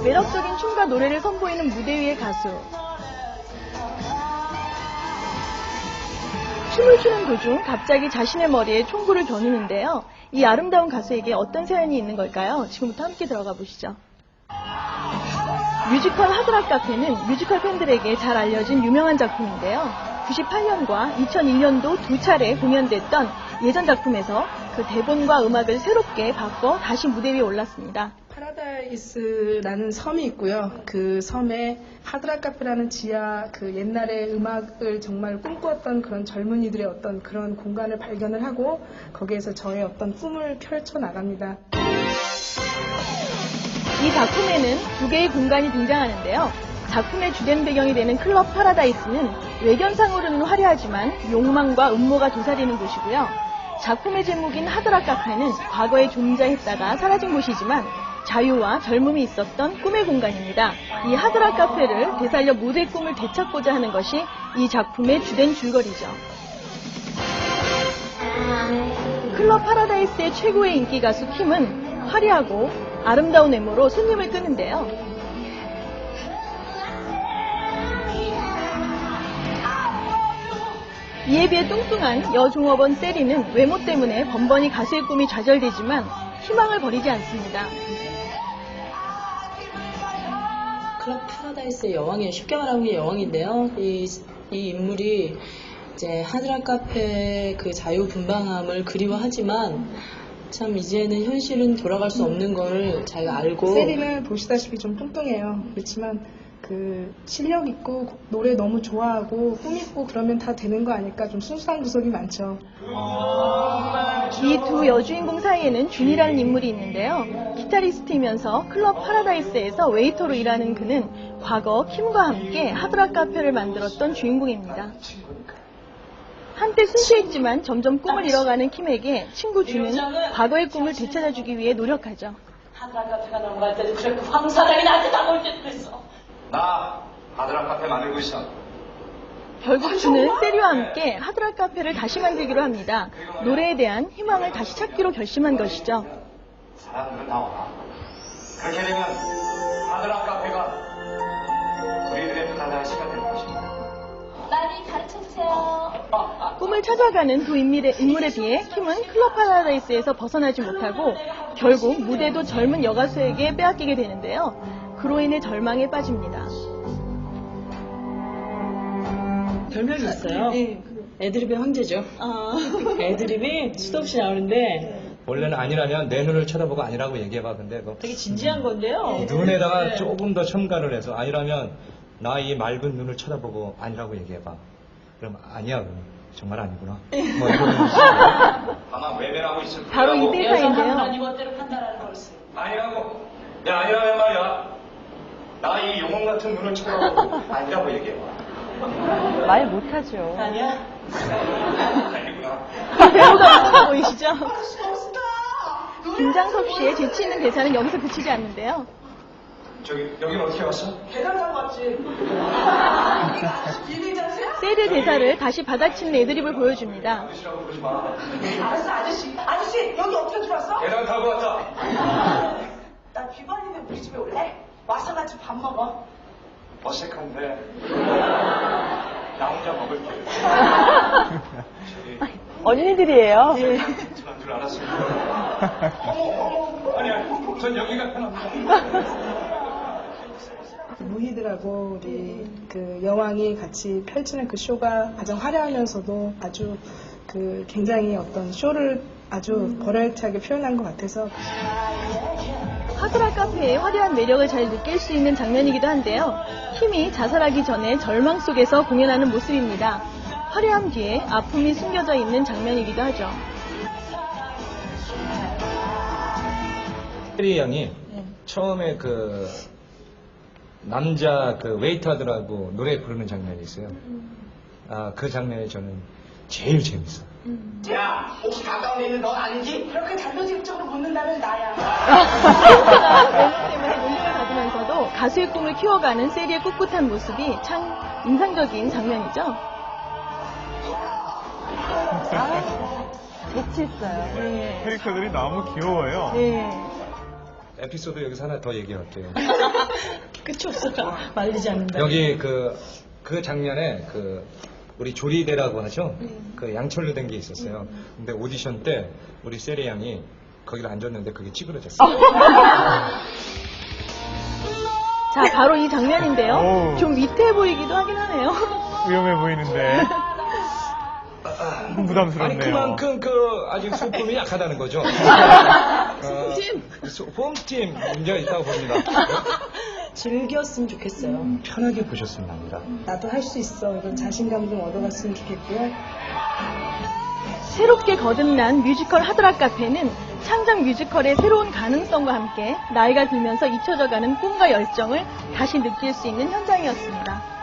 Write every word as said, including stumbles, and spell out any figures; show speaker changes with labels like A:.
A: 매력적인 춤과 노래를 선보이는 무대 위의 가수. 춤을 추는 도중 갑자기 자신의 머리에 총구를 겨누는데요. 이 아름다운 가수에게 어떤 사연이 있는 걸까요? 지금부터 함께 들어가 보시죠. 뮤지컬 하드락 카페는 뮤지컬 팬들에게 잘 알려진 유명한 작품인데요. 구십팔 년과 이천일 년도 두 차례 공연됐던 예전 작품에서 그 대본과 음악을 새롭게 바꿔 다시 무대 위에 올랐습니다.
B: 파라다이스라는 섬이 있고요. 그 섬에 하드락 카페라는 지하 그 옛날의 음악을 정말 꿈꾸었던 그런 젊은이들의 어떤 그런 공간을 발견을 하고 거기에서 저의 어떤 꿈을 펼쳐 나갑니다.
A: 이 작품에는 두 개의 공간이 등장하는데요. 작품의 주된 배경이 되는 클럽 파라다이스는 외견상으로는 화려하지만 욕망과 음모가 도사리는 곳이고요. 작품의 제목인 하드락 카페는 과거에 존재했다가 사라진 곳이지만 자유와 젊음이 있었던 꿈의 공간입니다. 이 하드락 카페를 되살려 무대의 꿈을 되찾고자 하는 것이 이 작품의 주된 줄거리죠. 클럽 파라다이스의 최고의 인기 가수 킴은 화려하고 아름다운 외모로 손님을 끄는데요. 이에 비해 뚱뚱한 여종업원 세리는 외모 때문에 번번이 가수의 꿈이 좌절되지만 희망을 버리지 않습니다.
C: 클럽 파라다이스의 여왕이에요. 쉽게 말하면 게 여왕인데요. 이, 이 인물이 이제 하드락 카페 그 자유분방함을 그리워하지만 참 이제는 현실은 돌아갈 수 없는 걸 잘 알고.
B: 세리는 보시다시피 좀 뚱뚱해요. 그렇지만 그 실력 있고 노래 너무 좋아하고 꿈 있고 그러면 다 되는 거 아닐까 좀 순수한 구석이 많죠.
A: 이 두 여주인공 사이에는 준이라는 인물이 있는데요. 기타리스트이면서 클럽 파라다이스에서 웨이터로 일하는 그는 과거 킴과 함께 하드락 카페를 만들었던 주인공입니다. 한때 순수했지만 점점 꿈을 잃어가는 킴에게 친구 준은 과거의 꿈을 되찾아주기 위해 노력하죠.
C: 하드락 카페가 넘어갈 때도 그렇게 황사람이 나한테 다가올 때도 그랬어.
D: 나 하드락 카페 만들고 있어.
A: 결국 준은 세리와 함께 하드락 카페를 다시 만들기로 합니다. 노래에 대한 희망을 다시 찾기로 결심한 것이죠.
D: 사람들은 나와. 그렇게 되면 하드락 카페가 우리들의 파라다이스가 될 것입니다.
C: 많이 가르쳐주세요.
A: 꿈을 찾아가는 두 인물에, 인물에 비해 킴은 클럽 파라다이스에서 벗어나지 못하고 결국 무대도 젊은 여가수에게 빼앗기게 되는데요. 그로 인해 절망에 빠집니다.
C: 별명이 있어요.
A: 네.
C: 애드립의 황제죠.
A: 아...
C: 애드립이 수도 없이 나오는데
E: 원래는 아니라면 내 눈을 쳐다보고 아니라고 얘기해봐. 근데 그
C: 되게 진지한 건데요.
E: 눈에다가
C: 네.
E: 조금 더 첨가를 해서 아니라면 나 이 맑은 눈을 쳐다보고 아니라고 얘기해봐. 그럼 아니야. 그럼 정말 아니구나. 뭐 이런
D: 아마 외면하고 있을 거라고.
A: 바로 이 대사인데요.
C: 여성은 이것대로 판단하는 거였어요.
D: 아니라고. 야, 아니라면 말이야. 나 이 영혼 같은 눈을 쳐다보고 아니라고 얘기해봐.
A: 말 못하죠.
C: 아니야?
D: 아니구나.
A: 배우가 웃어 보이시죠? 김장섭 씨의 재치 있는 대사는 여기서 그치지 않는데요.
D: 저기, 여긴 어떻게 왔어?
B: 계단 타고 왔지.
A: 세리 대사를 다시 받아치는 애드립을 보여줍니다.
D: 아저씨라고 그러지 마.
B: 알았어 아저씨. 아저씨 여기 어떻게 들어왔어?
D: 계단 타고 왔다.
B: 나 비번이면 우리 집에 올래? 와서 같이 밥 먹어.
D: 어색한데. 나 혼자 먹을게. 저기,
A: 언니들이에요. 네.
D: 그런 줄 알았습니다. 어머, 어머. 아니야, 전 여기가 편합니다.
B: 무희들하고 우리 그 여왕이 같이 펼치는 그 쇼가 가장 화려하면서도 아주 그 굉장히 어떤 쇼를 아주 버라이어티하게 표현한 것 같아서
A: 하드락 카페의 화려한 매력을 잘 느낄 수 있는 장면이기도 한데요. 킴이 자살하기 전에 절망 속에서 공연하는 모습입니다. 화려함 뒤에 아픔이 숨겨져 있는 장면이기도 하죠.
E: 세리 양이 처음에 그 남자 그 웨이터들하고 노래 부르는 장면이 있어요. 아, 그 장면이 저는 제일 재밌어요.
D: 야, 혹시 가까운 데 있는 넌 아니지?
B: 그렇게 단도직입적으로 묻는다면 나야.
A: 외모 때문에 놀림을 받으면서도 가수의 꿈을 키워가는 세리의 꿋꿋한 모습이 참 인상적인 장면이죠. 아, 재치 있어요. 네.
F: 캐릭터들이 너무 귀여워요.
A: 네.
E: 에피소드 여기서 하나 더 얘기할게요.
C: 끝이 없어요. 말리지 않는다.
E: 여기 그, 그 장면에 그, 우리 조리대라고 하죠? 그 양철로 된 게 있었어요. 근데 오디션 때 우리 세리 양이 거기를 앉았는데 그게 찌그러졌어요.
A: 자, 바로 이 장면인데요.
F: 어우.
A: 좀 위태해 보이기도 하긴 하네요.
F: 위험해 보이는데.
E: 아니,
F: 부담스럽네요.
E: 그만큼 그 아직 소품이 약하다는 거죠. 어, 소- 홈팀 문제가 있다고 봅니다.
C: 즐겼으면 좋겠어요.
E: 편하게 보셨으면 합니다.
B: 나도 할 수 있어. 이런 자신감 좀 얻어갔으면 좋겠고요.
A: 새롭게 거듭난 뮤지컬 하드락 카페는 창작 뮤지컬의 새로운 가능성과 함께 나이가 들면서 잊혀져가는 꿈과 열정을 다시 느낄 수 있는 현장이었습니다.